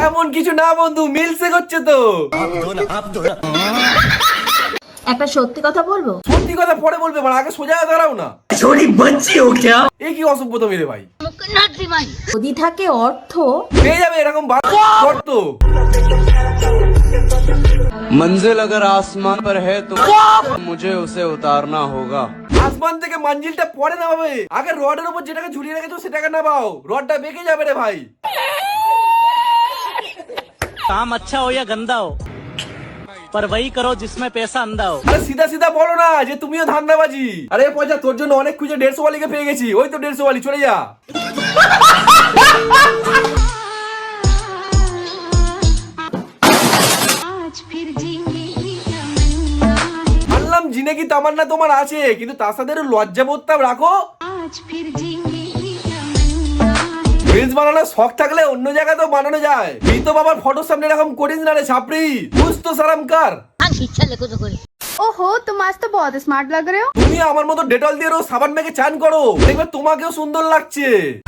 এমন কিছু না বন্ধু, মিলসে করছে তো। একটা সত্যি কথা বলবো? সত্যি কথা পরে বলবে, মানে আগে সোজা দাঁড়াও না। এই কি অসভ্যতা মেরে ভাই। যদি থাকে অর্থ, পেয়ে যাবে এরকম শর্ত। मंजिल अगर आसमान पर है तो मुझे उसे उतारना होगा। আসমান থেকে মঞ্জিলটা পরে নামাবে, আগে রডের উপর যেটাকে ঝুলিয়ে রেখেছো সেটাকে নামাও, রডটা বেঁকে যাবে রে ভাই। काम अच्छा हो या गंदा हो, पर वही करो जिसमें पैसा अंधा हो। আরে সিধা সিধা বলো না যে তুমিও ধান্দাবাজি। আরে পয়সা তোর জন্য অনেক খুঁজে 150 ওয়ালিকে পেয়ে গেছি, ওই তো 150 ওয়ালি, চলে যা। মানলাম জিনেগি তামান্না তোমার আছে, কিন্তু তার সাথে লজ্জা বোধটা রাখো। রিলস বানানোর শখ থাকলে অন্য জায়গাতেও বানানো যায়। তুই তো বাবার ফটোর সামনে এরকম করিস না রে ছাপড়ি, বুঝ তো সারাম কার। ओहो, तुम आज तो बहुत स्मार्ट लग रहे हो। তুমি আমার মতো ডেটল দিয়ে রোজ সাবান মেখে চান করো, দেখবে তোমাকেও সুন্দর লাগছে।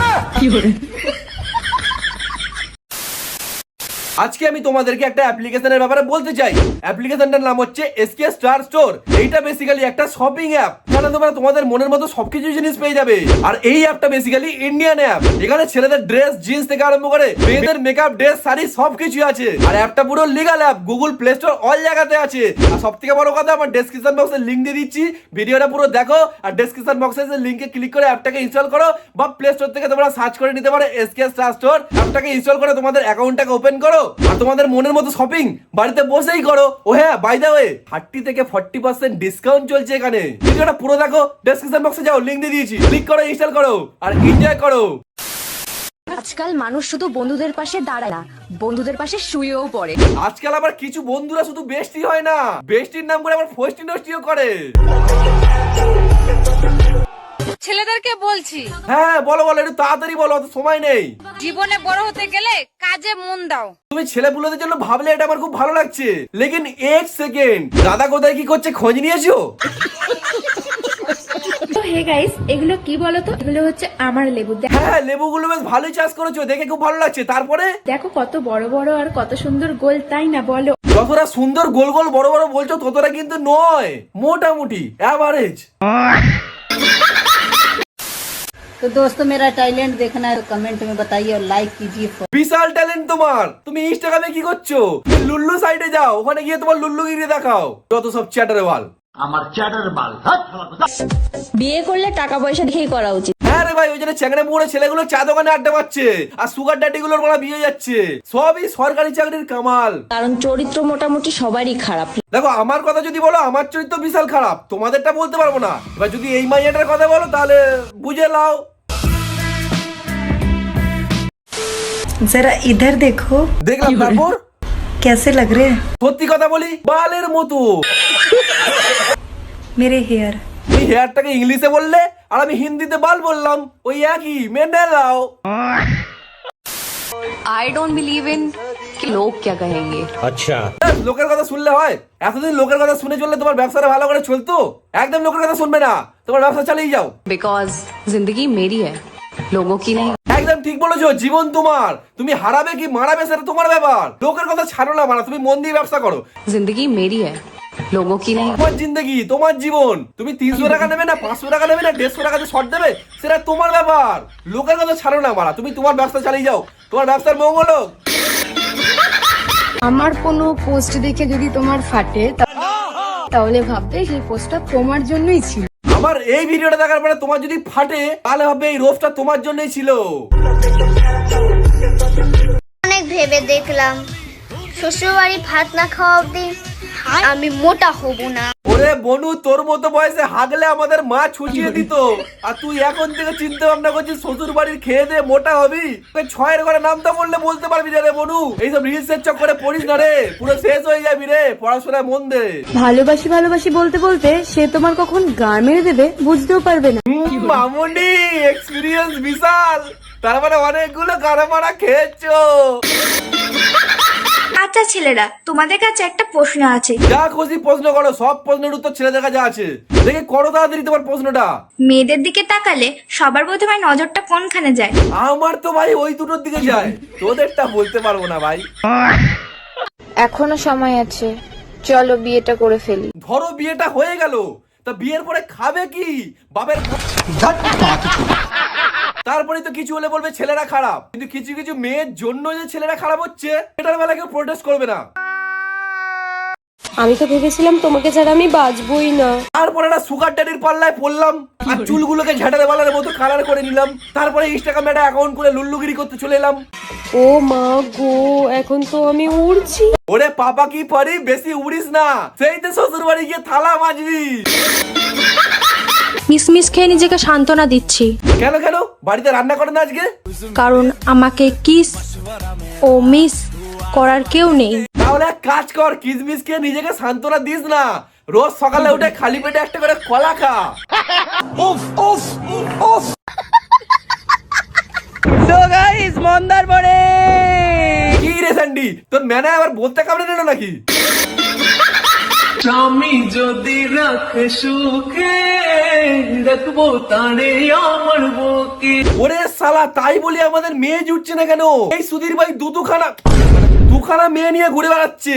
আজকে আমি তোমাদেরকে একটা অ্যাপ্লিকেশনের ব্যাপারে বলতে চাই। অ্যাপ্লিকেশনটার নাম হচ্ছে এসকে স্টার স্টোর। এইটা বেসিক্যালি একটা শপিং অ্যাপ, যেখানে তোমরা তোমাদের মনের মতো সবকিছু জিনিস পেয়ে যাবে। আর এই অ্যাপটা বেসিক্যালি ইন্ডিয়ান অ্যাপ। এখানে ছেলেদের ড্রেস, জিন্স থেকে আরম্ভ করে মেয়েদের মেকআপ, ড্রেস, শাড়ি সবকিছু আছে। আর অ্যাপটা পুরো legal app, Google Play Store all জায়গাতে আছে। আর সবথেকে বড় কথা, আমার ডেসক্রিপশন বক্সে লিংক দিয়ে দিচ্ছি, ভিডিওটা পুরো দেখো। আর ডেসক্রিপশন বক্সে লিংকে ক্লিক করে অ্যাপটাকে ইনস্টল করো, বা প্লে স্টোর থেকে তোমরা সার্চ করে নিতে পারো এসকে স্টার স্টোর। অ্যাপটাকে ইনস্টল করে তোমাদের অ্যাকাউন্টটাকে ওপেন করো, আর তোমাদের মনের মতো শপিং বাড়িতে বসেই করো। ও হ্যাঁ, বাই দ্য ওয়ে 30 থেকে 40% ডিসকাউন্ট চলছে এখানে। ভিডিওটা পুরো দেখো, ডেসক্রিপশন বক্সে যাও, লিংক দিয়ে দিয়েছি, ক্লিক করো, ইনস্টল করো আর এনজয় করো। আজকাল মানুষ শুধু বন্ধুদের পাশে দাঁড়ায় না, বন্ধুদের পাশে শুয়েও পড়ে। আজকাল আবার কিছু বন্ধুরা শুধু বেস্টি হয় না, বেস্টির নাম করে আবার ফোস্টি নষ্টিও করে। ছেলেদেরকে বলছি, হ্যাঁ বলো বলো, একটু তাড়াতাড়ি বলো, অত সময় নেই। জীবনে বড় হতে গেলে কাজে মন দাও। তুমি ছেলেপুলেদের জন্য ভাবলে এটা আমার খুব ভালো লাগছে, লেকিন এক সেকেন্ড, দাদা কোথায় কি করছে খোঁজ নিয়েছো? হে গাইস, এগুলো কি বলতো? এগুলো হচ্ছে আমার লেবু। হ্যাঁ, লেবুগুলো বেশ ভালোই চাষ করেছো, দেখে খুব ভালো লাগছে। তারপরে দেখো কত বড় বড় আর কত সুন্দর গোল, তাই না বলো? যতটা সুন্দর গোল গোল বড় বড় বলছো ততটা কিন্তু নয়, মোটামুটি অ্যাভারেজ। तो दोस्तों, मेरा टैलेंट देखना है तो कमेंट में बताइए और लाइक कीजिए। বিশাল ট্যালেন্ট তোমার। তুমি ইনস্টাগ্রামে কি করছো? তুমি লুল্লু সাইডে যাও, ওখানে গিয়ে তোমার লুল্লুগিরি দেখাও। যত সব চ্যাটারে বাল। বিয়ে করলে টাকা পয়সা দেখেই করা উচিত। হ্যাঁ রে ভাই, ওই জন্য চ্যাংড়ে মুড়ে ছেলেগুলো চা দোকানে আড্ডা মারছে, আর সুগার ড্যাডি গুলোর মারা বিয়ে যাচ্ছে। সবই সরকারি চাকরির কামাল। কারণ চরিত্র মোটামুটি সবারই খারাপ। দেখো, আমার কথা যদি বলো, আমার চরিত্র বিশাল খারাপ, তোমাদেরটা বলতে পারবো না। এবার যদি এই মাইয়াটার কথা বলো তাহলে বুঝে লাও। जरा इधर देखो, দেখলাম, তারপর कैसे लग रहे हैं সত্যি কথা বলি, বালের মতো मेरे हेयर। তুমি হেয়ারটাকে ইংলিশে বললে আর আমি হিন্দিতে বাল বললাম, ওই একই, মেনে নাও। I don't believe in कि लोग क्या कहेंगे। লোকের কথা শুনলে হয়? এতদিন লোকের কথা শুনে চললে তোমার ব্যবসাটা ভালো করে চলতো? একদম লোকের কথা শুনবে না, তোমার ব্যবসা চালিয়ে যাও। बिकॉज जिंदगी मेरी है, लोगों की नहीं। একদম ঠিক বলেছো, জীবন তোমার, তুমি হারাবে কি মারাবে সেটা তোমার ব্যাপার। লোকের কথা ছাড়ো না, তুমি মন দিয়ে ব্যবসা করো। जिंदगी मेरी है, लोगों की नहीं। তোমার জিন্দগি, তোমার জীবন। তুমি 300 টাকা নেবে না 500 টাকা নেবে না 150 টাকাতে শর্ট দেবে, সেটা তোমার ব্যাপার। লোকের কথা ছাড়ো না, তুমি তোমার ব্যবসা চালিয়ে যাও, তোমার ব্যবসার মঙ্গল হোক। আমার কোনো পোস্ট দেখে যদি তোমার ফাটে, তাহলে ভাববে সেই পোস্টটা তোমার জন্যই ছিল। আমার এই ভিডিওটা দেখার পরে তোমার যদি ফাটে, তাহলে হবে এই রোফটা তোমার জন্যই ছিল। অনেক ভেবে দেখলাম, শ্বশুরবাড়ি ভাত না খাওয়া অব্দি আমি মোটা হব না। ওরে বনু, তোর মতো বয়সে হাগলে আমাদের মা ছুটিয়ে দিত, আর তুই এখন থেকে চিন্তা ভাবনা করছিস শ্বশুর বাড়ির খেয়ে দিয়ে মোটা হবি। তোকে 6 এর ঘরে নামটা বললে বলতে পারবি না রে বনু। এইসব রিলসের চক্করে পড়িস না রে, পুরো শেষ হয়ে যাবি রে। পড়াশোনায় মন দে। ভালোবাসি ভালোবাসি বলতে বলতে সে তোমার কখন গা মেরে দেবে বুঝতেও পারবে না। মামুনি, এক্সপিরিয়েন্স বিশাল, তার মানে অনেকগুলো গাড়া মারা খেয়েছো। বাচ্চা ছেলেরা, তোমাদের কাছে একটা প্রশ্ন আছে। যা খুশি প্রশ্ন করো, সব প্রশ্নের উত্তর ছেলেদের কাছে আছে। দেখে করো তাড়াতাড়ি তোমার প্রশ্নটা। মেয়েদের দিকে তাকালে সবার প্রথমে নজরটা কোনখানে যায়? আমার তো ভাই ওই দুটোর দিকে যায়, তোদেরটা বলতে পারবো না ভাই। এখনো সময় আছে, চলো বিয়েটা করে ফেলি। ধরো বিয়েটা হয়ে গেল, তা বিয়ের পরে খাবে কি? বাপের তারপরে তো কিছু হলে বলবে ছেলেরা খারাপ, কিন্তু কিছু কিছু মেয়ের জন্য যে ছেলেরা খারাপ হচ্ছে এটার বেলা কেউ প্রোটেস্ট করবে না। আমি তো ভেবেছিলাম তোমাকে ছাড়া আমি বাঁচবই না। তারপরে একটা সুগার ড্যাডির পাল্লায় পড়লাম আর চুলগুলোকে ঝাঁটারে বালার মতো কালার করে নিলাম। তারপরে ইনস্টাগ্রামে একটা অ্যাকাউন্ট করে লুল্লুগিরি করতে চলে এলাম। ও মা গো, এখন তো আমি উড়ছি। ওরে পাপা কি পারি, বেশি উড়িস না, সেই তো শ্বশুর বাড়ি গিয়ে থালা মাজবি। মিসমিস খেয়ে নিজেকে সান্ত্বনা দিচ্ছি, কেন কেন বাড়িতে রান্না করেন আজকে? কারণ আমাকে কিস ও মিস করার কেউ নেই। তাহলে এক কাজ কর, কিসমিস খেয়ে নিজেকে সান্ত্বনা দিস না, রোজ সকালে উঠে খালি পেটে একটা করে কলা খা। तो गाइस মন্দার পড়ে কি রে স্যান্ডি, তোর ম্যানে আবার বলতে কামড়ে নিল নাকি? স্বামী যদি রাখে সুখে রাখবো তারে আমার বুকে। ওরে শালা, তাই বলি আমাদের মেয়ে জুটছে না কেন? এই সুধীর ভাই দুখানা মেয়ে নিয়ে ঘুরে বেড়াচ্ছে।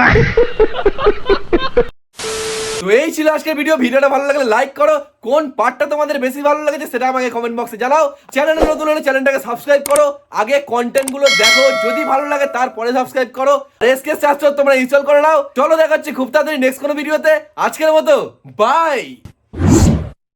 তো এই ছিল আজকের ভিডিওটা ভালো লাগলে লাইক করো, কোন পার্টটা তোমাদের বেশি ভালো লেগেছে সেটা আমাকে কমেন্ট বক্সে জানাও। চ্যানেলে নতুন হলে চ্যানেলটাকে সাবস্ক্রাইব করো, আগে কন্টেন্ট গুলো দেখো, যদি ভালো লাগে তারপরে সাবস্ক্রাইব করো। এসকে চার্জ তোমরা ইনস্টল করে নাও। চলো দেখা হচ্ছে খুব তাড়াতাড়ি নেক্সট কোনো ভিডিওতে। আজকের মতো বাই।